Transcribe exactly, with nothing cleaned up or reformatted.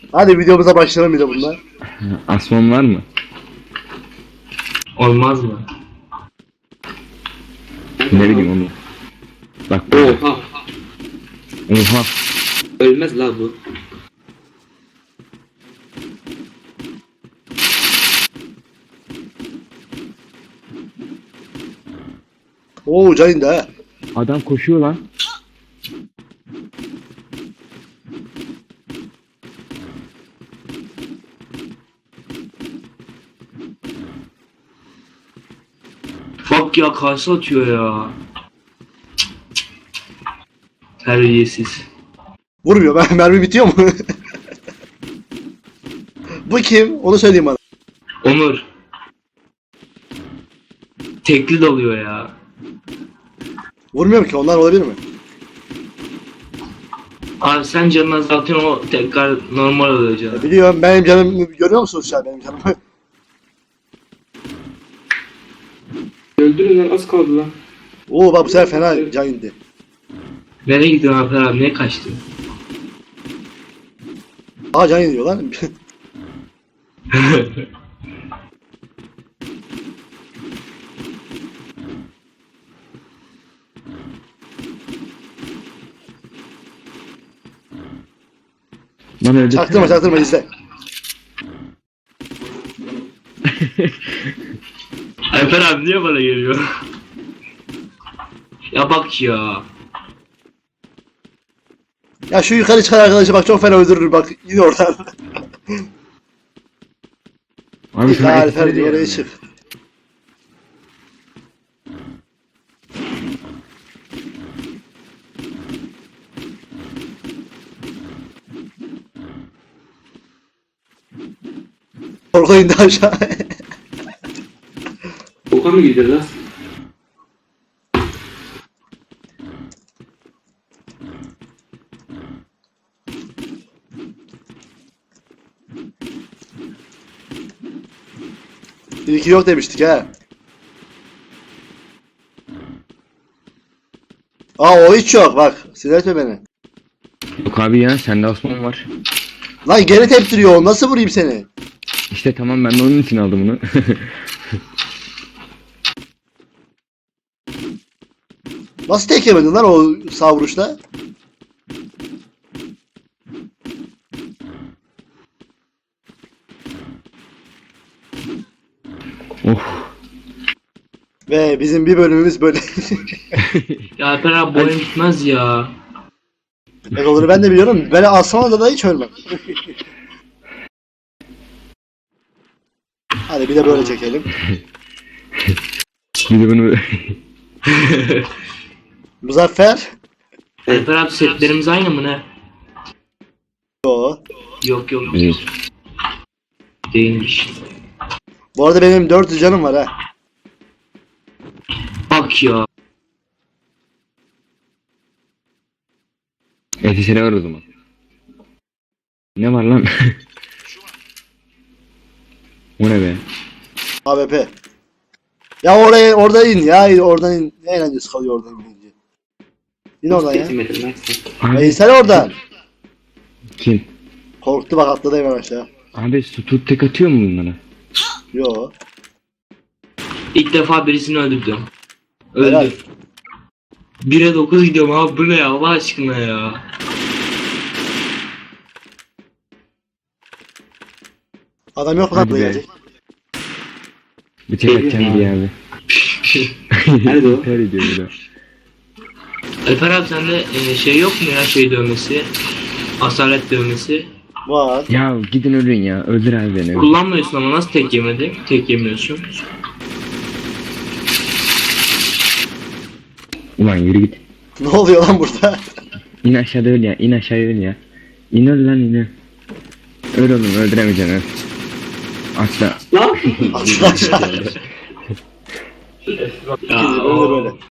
Hadi videomuza başlayalım bir de bunlar. Asmon var mı? Olmaz mı? Ne bileyim onu. Bak böyle. Oha. Oha. Ölmez la bu. Oo can indi ha. Adam koşuyor lan. Bak ya karşı atıyor ya. Terbiyesiz. Vurmuyor. Ben mermi bitiyor mu? Bu kim? Onu söyleyeyim bana. Onur. Tekli dalıyor ya. Vurmuyorum ki. Onlar olabilir mi? Abi sen canını azaltıyorsun, o tekrar normal oluyor canım. Ya biliyorum. Benim canım görüyor musunuz şu an benim canımı? Öldürün lan, az kaldı lan. Oo bak bu sefer fena can indi. Nereye gidiyorsun Alper abi, niye kaçtın? Aa can iniyor lan. Lan öldü. Çaktırma çaktırma izle. Alper abi niye bana geliyor? Ya bak ya. Ya şu yukarı çıkan arkadaşı bak çok fena öldürür bak. Yine oradan. Abi Ya sana Alper ekstra diyor oraya diyorum çık. Korku indi aşağı. Oka mı gidiyor lan? Bir iki yok demiştik ha. Aa o hiç yok bak. Sinir etme beni. Yok abi ya, sende Asmon var. Lan geri teptiriyor o. Nasıl vurayım seni? İşte tamam, ben de onun için aldım bunu. Nasıl tek yemedin lan o sağ vuruşla? Oh. Ve bizim bir bölümümüz böyle. Ya Alper abi bu oyun bitmez ya. Evet olur ben de biliyorum. Böyle Aslan'a da hiç ölmem. Hadi bir de böyle çekelim. Bir de bunu... Muzaffer. Alper abi setlerimiz aynı mı ne? Yo. Yok yok Değil. değilmiş. Bu arada benim dört yüz canım var ha. Bak ya. Etisine var o zaman. Ne var lan? O ne be? A W P. Ya oraya orada in ya. Oradan in. Ne eğlencesi kalıyor oradan inince. İn oradan ya. Getirmedin lan sen. Abi, E sen oradan. kim? Korktu bak atladı hemen aşağı. Abi su tek atıyor mu bunlara? Yo. İlk defa birisini öldürdüm. Helal. Öldü. bire dokuz gidiyorum abi, bu ne ya Allah aşkına ya. Adam yok mu Hadi lan be. gelecek? Bir tek atacağım diye abi. Nerede o? Ter ediyor bir de. Alper abi sende e, şey yok mu ya, şey dövmesi? Asalet dövmesi. Var. Ya gidin ölün ya. Öldür abi beni. Kullanmıyorsun ama nasıl tek yemedin? Tek yemiyorsun. Ulan yürü git. Ne oluyor lan burada? İn aşağıda öl ya. İn aşağıya öl ya. İn öl lan, in öl. Öl oğlum, öldüremeyeceksin öl. Atla. Lan! Aşağı aşağı. Ya, Böyle böyle.